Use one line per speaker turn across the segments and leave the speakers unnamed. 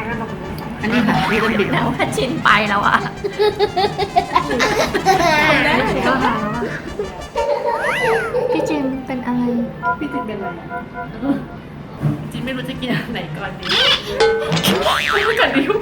อันนี้ค่ะพี่ต้องบิดแล้วว่าชินไปแล้วอ่ะพี่จิมเป็นอะไรพี่จิมเป็นอะไรจิมไม่รู้จะกินอะไรก่อนดีไม่ก่อนดิว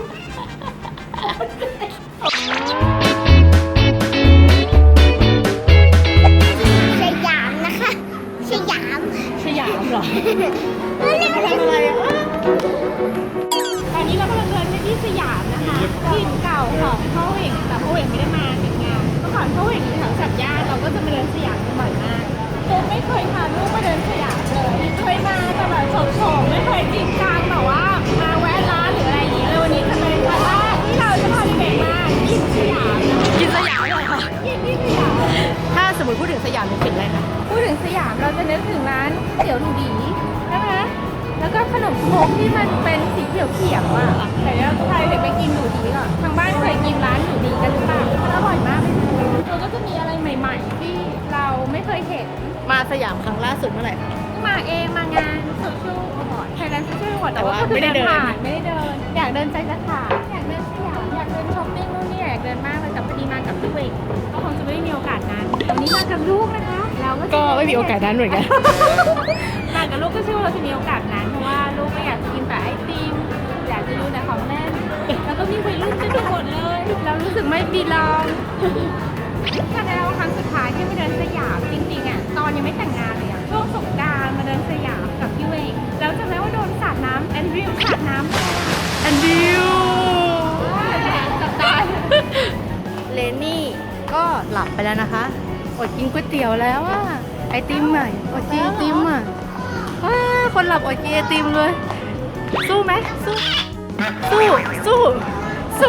สยามนะคะสยาม
เหรอ
ทำอะไรอ่ะ
ตอนนี้เรากำลังเดินไปที่สยามนะคะที่เก่าของพ่อเหว่งแต่พ่อเหว่งไม่ได้มาติดงานเมื่อก่อนพ่อเหว่งอยู่แถวสัตย่านเราก็จะมาเดินสยามกันบ่อยมากผมไม่เคยพาลูกมาเดินสยามเลยเคยมาแต่แบบโฉมๆไม่เคยจริงจังแบบว่ามาแวะร้านหรืออะไรอย่างนี้เลยวันนี้จะเป็นวันแรกที่เราจะพาเด็กๆมากินสยาม
กินสยามเลยค่ะ
กินที่สยาม
ถ้าสมมติพูดถึงสยามนึกถึงอะไรคะ
พูดถึงสยามเราจะนึกถึงร้านเตี๋ยวหนูดีนะคะแล้วก็ขนมครกที่มันเป็นสีเขียวๆอ่ะแต่ถ้าใครเด็กไปกินหนูดีก่อนทางบ้านเคยกินร้านหนูดีกันหรือเปล่ามันอร่อยมากเลยเราก็จะมีอะไรใหม่ๆที่เราไม่เคยเห็น
มาสยามครั้งล่าสุดเมื่อไหร่คะ
มาเองมางานโซเชียลอวอร์ดไทยแลนด์โซเชียลอวอร์ด
แต่ว่าไม่ได้เดิน
ผ่านไม่ได้เดิน อยากเดินใจจะขาดอยากเดินสยามอยากเดินช้อปปิ้งนู่นนี่อยากเดินมากเลยแต่พอดีมากับพี่เวกก็คงจะไม่ได้มีโอกาสนั้นวันนี้มากับลูกนะคะเราก็จะ
ก็ไม่มีโอกาสนั้นเหมือนกัน
มากับลูกก็เชื่อว่าเราจะมีโอกาสนั้นเพราะว่าลูกก็อยากจะกินแต่ไอติมอยากจะดูแต่ของเล่นแล้วก็มีวัยรุ่นจะดูหมดเลยเรารู้สึกไม่บีลองถ้าได้เราครั้งสุดท้ายที่มาเดินสยามจริงๆอ่ะตอนยังไม่แต่งงานเลยอ่ะช่วงสงกรานต์มาเดินสยามกับพี่เวงแล้วจำได้ว่าโดนสาดน้ำแอนดริวสาดน้ำ
อันดิว
จับตาย
เลนี่ก็หลับไปแล้วนะคะอดกินก๋วยเตี๋ยวแล้วอ่ะไอติมอ่ะอดกินไอติมอ่ะว้าคนหลับอดกินไอติมเลย สู้ไหมสู้สู้สู้สู้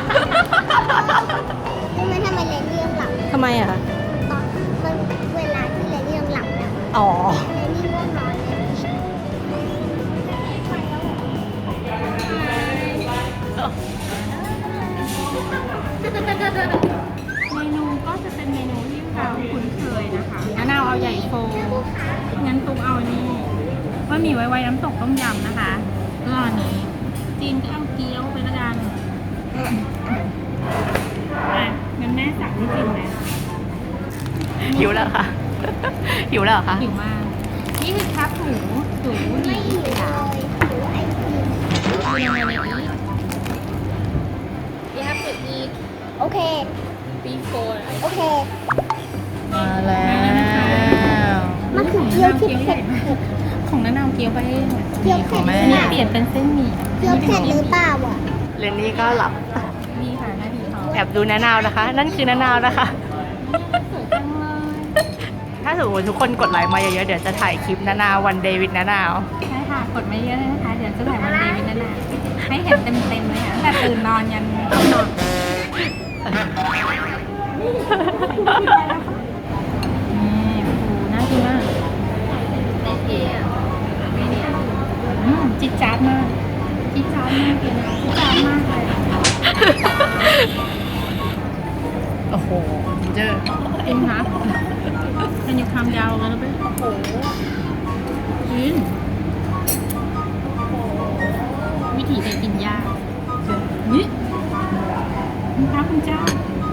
รู้ไหมทำไมเลนนี่ยังหลับ
ทำไมอ่ะ
ตอนมันเวลาที่เลนนี่ยังหลับนะ
อ๋อ
เลนนี่ง่วงนอนเลย
เมนูก็จะเป็นเมนูที่เราคุ้นเคยนะคะงั้นเอาใหญ่โฟงั้นตุ้งเอานี่ว่ามีไว้น้ำตกต้มยำนะคะก็อันนี้จีนก็เอาเกี๊ยวไปละกันงั้นแม่สั่งให้จีนนะ
หิวแล้วค่ะ หิวแล้วเหรอคะ
หิวมาก นี่คือครับหมูห
ไม่หิว
ยา
เลยหิวไอติม
ยังไงนี้
You have to eat โอเค
before
โอเค
มาแล้ว
มันคือเกี๊ยวที่เผ็ด
ของน้านาวเกี๊ยวไปเอง
เกี๊ยวเผ็ดหรือ
อัน
เป
นี้
ล่า
เปลี่ยนเป็นเส้นหมี่
เกี๊ยวเผ็ดหรือเปล่าอ่ะ
เลนนี่ก็หลับ
นี่ค่ะหน้าดีเขา
แอบดูนานาวนะคะ นั่นคือนานาวนะคะ
สวยจังเลย
ถ้าสมมติทุกคนกดไลค์มาเยอะๆ เดี๋ยวจะถ่ายคลิปนานาววันเดวิดนานาว
ใช่ค่ะ กดไม่เยอะเลยนะคะ เดี๋ยวจะถ่ายวันเดวิดนั่นแหละให้เห็นเต็มๆเลยค่ะตั้งแต่ตื่นนอนยันเข้านอนนี่ฟูน่ากินมากจิ๊ดจ๊าดมากจิ๊ดจ๊าดมากเลยนะจิ๊ดจ๊าดมากเลย
โอ้โหเจอ
จริงคะมันอยู่คำยาวกันแล้วไปโอ้โหกินวิถีเด็กกินยากนี่คุณพระคุณเจ้า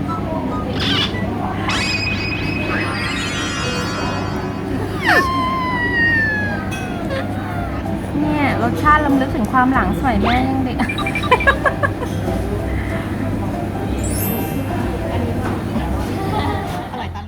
เนี่ยรสชาติลำลึกถึงความหลังสมัยแม่ยังเด็ก
อร่อยตัง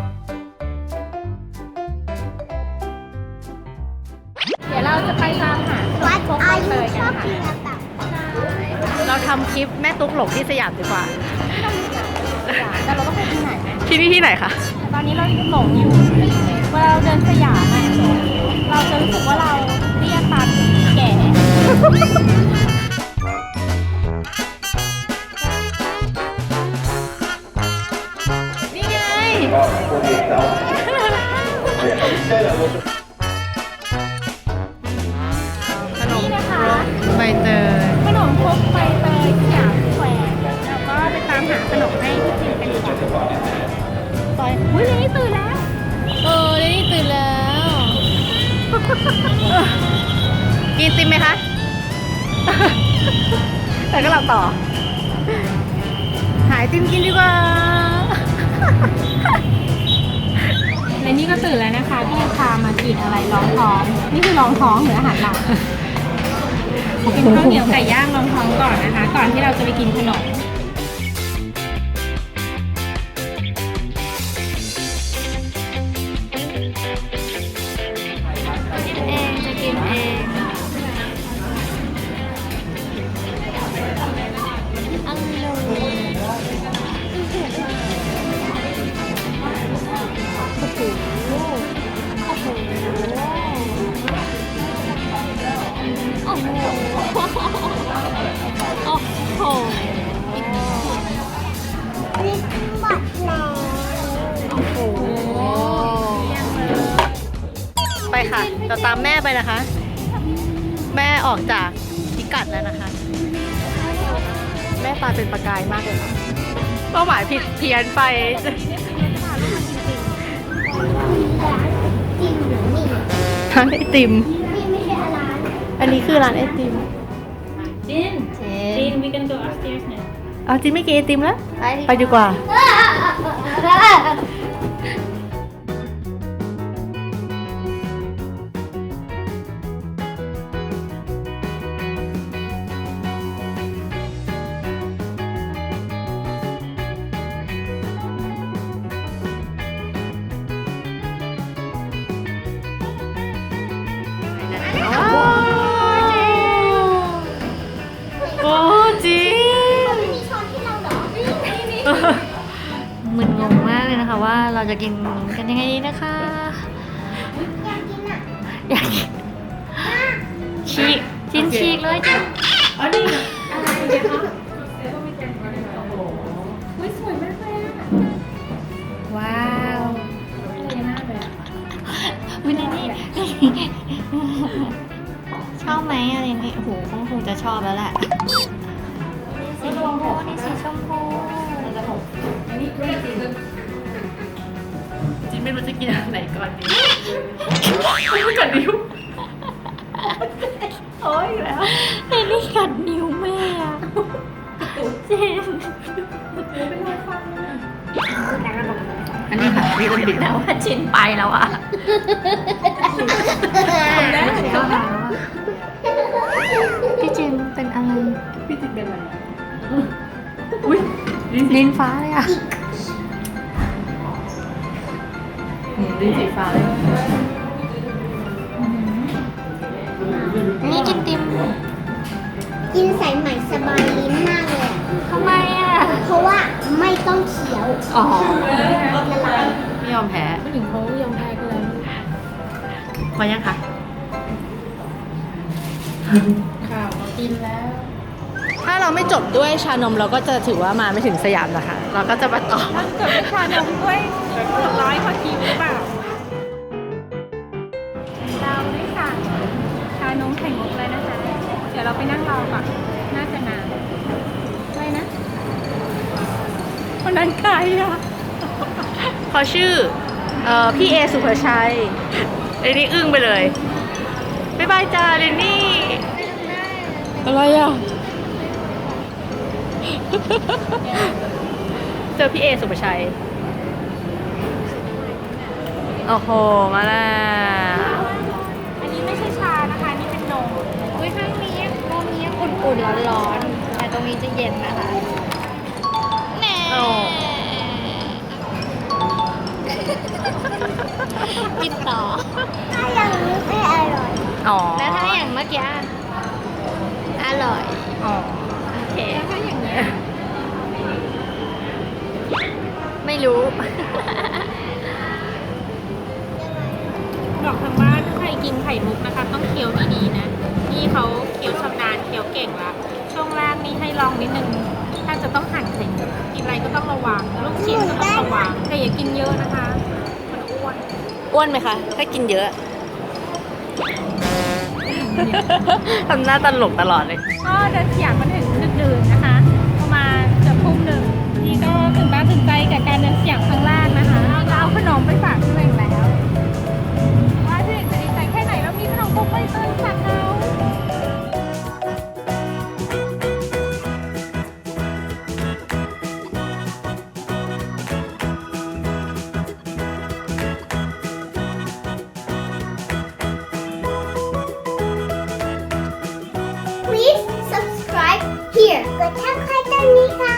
เดี๋ยวเราจะไปตามหา
วัด
โคก
อา
เล
ยุ
ย
ช
กั
อน บ
ค่ะ
กินแบบ
เราทำคลิปแม่ตุ๊กหลงที่สยามดีกว่า
แต่เราต้องไปที่ไหนไหม
ที่นี่ที่ไหนคะ
ตอนนี้เราหลงอยู่เวลาเราเดินสยามอะเราจะรู้สึกว่าเราเตี้ยตันแก่
นี่ไง ขนม
นี่นะคะ
ใบเตย
ขนมครกใบเตยสยามสแควร์แล้วก็ไปตามหาขนมให้พี่จิมกันดีกว่าไปอุ้ยเลนี่ตื่นแล้ว
เลนี่ตื่นแล้ว กินติมไหมคะแต่ก็หลับต่อ หายติมกินดีกว่า
และนี่ก็ตื่นแล้วนะคะพี่พามากินอะไรรองท้อง นี่คือรองท้องหรืออาหารหลักกินข้าวเหนียวไก่ย่างรองท้องก่อนนะคะ ก่อนที่เราจะไปกินขนม
กินเองจะกินเองอังโลโอ้โหโอ้โหโอ้โหโอ้โห
นี่หมดแล้ว
โอ้โหไปค่ะเราตามแม่ไปนะคะ แม่ออกจากพิกัดแล้วนะคะ แม่ตาเป็นประกายมากเลยค่ะเป้าหมายผิดเพี้ยนไป
จริงหรือนี่
ร้านไอติม
นี่ไม่ใช่ร้าน
อันนี้คือร้านไอติม
จิน จิน we can go upstairs now
เอาจินไม่กินไอติมแล้ว ไปดีกว่า โอ้จิน
ไม่มีช้อนที่เราเหรอนี่
มึนงงมากเลยนะคะว่าเราจะกินกันยังไงดีนะคะ
อยากกินอ่ะ
อยากกินฉีกจินฉีกเลยจิน
อ๋อนี่อะไรเนี่ยคะอุ้ยสวยมากเลยอะ
ว้าว
อะไรมากเลยอะ
วินนี่ชอบไหมอะไรนี่โอ้โหคงจะชอบแล้วแหละสีชมพูนี่สีชมพูจินไม่รู้จะกินอะไรก่อนดีกัดนิ้วโอ้ยแล้วไอ้นี่กัดนิ้วแม่อะเจนอันนี้ค่ะพี่ต้นบิดแล้วว่าจินไปแล้วอะพี่จินเป็นอะไร
พี่จินเป็นอะไร
อุ้ยลิ้นฟ้าเลยอะลิ้นสีฟ้าเลยนี่กินติม
กินสายไหมสบายลิ้นมากเลยอะ
ทำไมอะ
เพราะว่าไม่ต้องเคี้ยว
อ๋อ
ละลาย
ไม่ยอมแพ้
ผู้หญิงเขายอมแพ้กันแล้ว
พอยังคะ
ข่าวกินแล้ว
ถ้าเราไม่จบด้วยชานมเราก็จะถือว่ามาไม่ถึงสยามนะคะ เราก็จะมาต่อ
ถ้าเกิดเป็นชานมด้วย100พอคิวหรือเปล่า เราได้สั่งชานมไข่มุกแล้วนะคะ เดี๋ยวเราไปนั่งรอก่อน น่าจะนานอะไรนะคนนั้นใครอ่ะ
เขาชื่อพี่เอสุภชัยเรนนี่อึ้งไปเลย บ๊ายบายจ้าเรนนี่ อะไรอ่ะ เจอพี่เอสุภชัย โอ้โห มาแล้ว
อันนี้ไม่ใช่ชานะคะ นี่เป็นนม
อุ้ยข้างนี้ตรงนี้อุ่นๆร้อนๆแต่ตรงนี้จะเย็นนะคะแน่กินต่อ
ถ้ายังไม่อร่อย
อ๋อ
แล้วถ้าอย่างเมื่อกี้อร่อย
อ๋อ โอเค
ถ้าอย่างนี้
ไม่รู้
บอกทางบ้านถ้าใครกินไข่มุกนะคะ ต้องเคี้ยวดีๆนะนี่เขาเคี้ยวชำนาญเคี้ยวเก่งละช่วงแรกนี่ให้ลองนิดนึง ถ้าจะต้องหั่นไข่มุกกินอะไรก็ต้องระวังลูกชิ้นก็ต้องระวังแต่อย่ากินเยอะนะคะ มันอ้วน
อ้วนไหมคะ ถ้ากินเยอะ ทำหน้าตลกตลอดเลย
ก็เดินสยามมาถึงดึกๆนะคะ ประมาณเกือบทุ่มหนึ่งนี่ก็ตื่นตาตื่นใจกับการเดินสยามครั้งแรกนะคะเราเอาขนมไปฝากตัวเองแล้ว ว่าที่จะดีใจแค่ไหนแล้วมีขนมครกใบเตยฝากเรา
กดทักทายตรงนี้ค่ะ